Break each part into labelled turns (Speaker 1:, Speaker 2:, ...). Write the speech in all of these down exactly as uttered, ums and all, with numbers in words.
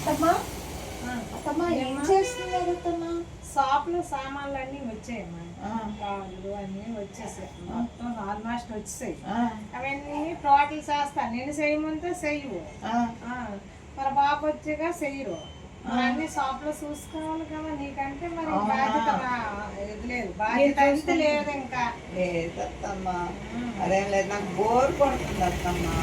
Speaker 1: అత్తమ్మా అత్తమ్మా ఏం చేస్తున్నారు అత్తమ్మా?
Speaker 2: షాప్లో సామాన్లు అన్నీ వచ్చాయమ్మా, కాళ్ళు అన్నీ వచ్చేసాయి, మొత్తం ఆల్మోస్ట్ వచ్చేసాయి. అవన్నీ టోటల్ చేస్తా, నేను చేయమంటే చెయ్యవు, మరి బాబు వచ్చాక చెయ్యరు. అన్ని షాప్ లో చూసుకోవాలి కదా, నీకంటే మరి బాధ్యత ఇది లేదు, బాధ్యత అయితే లేదు. ఇంకా
Speaker 1: లేదత్తమ్మా, అదేం లేదు, నాకు బోర్ కొడుతుంది అత్తమ్మా.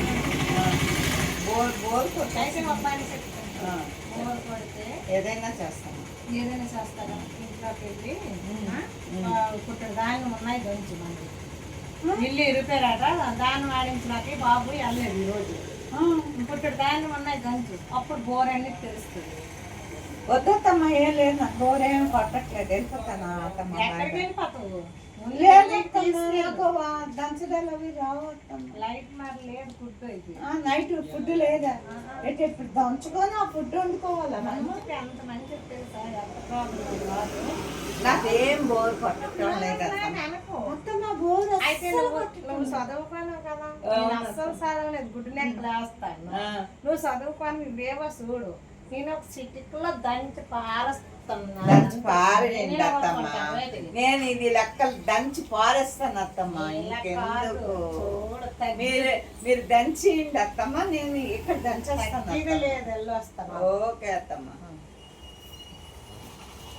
Speaker 1: బోర్ బోర్
Speaker 2: అయితే అబ్బాయిని చెప్తాను, బోర్ కొడితే
Speaker 1: ఏదైనా చేస్తాను.
Speaker 2: ఏదైనా చేస్తారా? ఇంట్లోకి వెళ్ళి పుట్టిన దాన్ని ఉన్నాయి దంచి మంది ఇల్లు ఇరిపోయారట, దాన్ని వాడించడానికి బాబు వెళ్ళలేదు ఈరోజు. పుట్టిన దాన్ని ఉన్నాయి దంచు, అప్పుడు బోర్ అన్ని తెలుస్తుంది.
Speaker 1: వద్దమ్మా, ఏం లేదు, నాకు బోర్ ఏం కొట్టట్లేదు, వెళ్ళిపోతాను అత్తమ్మ.
Speaker 2: ఎక్కడికి వెళ్ళిపోతావు?
Speaker 1: దంచడాలు అవి రావు.
Speaker 2: లైట్ మరి లేదు, ఫుడ్ ఇది
Speaker 1: నైట్ ఫుడ్ లేదా? ఇప్పుడు దంచుకొని ఆ ఫుడ్ వండుకోవాలా?
Speaker 2: అంత మంచి తెలుసా, ఎంత ప్రాబ్లం కాదు.
Speaker 1: నాకేం బోర్ కొట్టడం లేదు. బోర్
Speaker 2: అయితే నువ్వు నువ్వు చదువుకోలేవు కదా, నేను అస్సలు చదవలేదు, గుడ్డు నెక్కలు వేస్తాను. నువ్వు చదువుకొని ఇవేవో చూడు, నేను ఒక సిటిక్లో దంచి పారేస్తాను.
Speaker 1: దంచి పారేయండి అత్తమ్మ, నేను ఇది లెక్కలు దంచి పారేస్తాను అత్తమ్మ. ఇంకెందుకు మీరు మీరు దంచియండి అత్తమ్మ, నేను ఇక్కడ దంచేస్తాను.
Speaker 2: లేదు, వెళ్ళి వస్తాను.
Speaker 1: ఓకే అత్తమ్మ.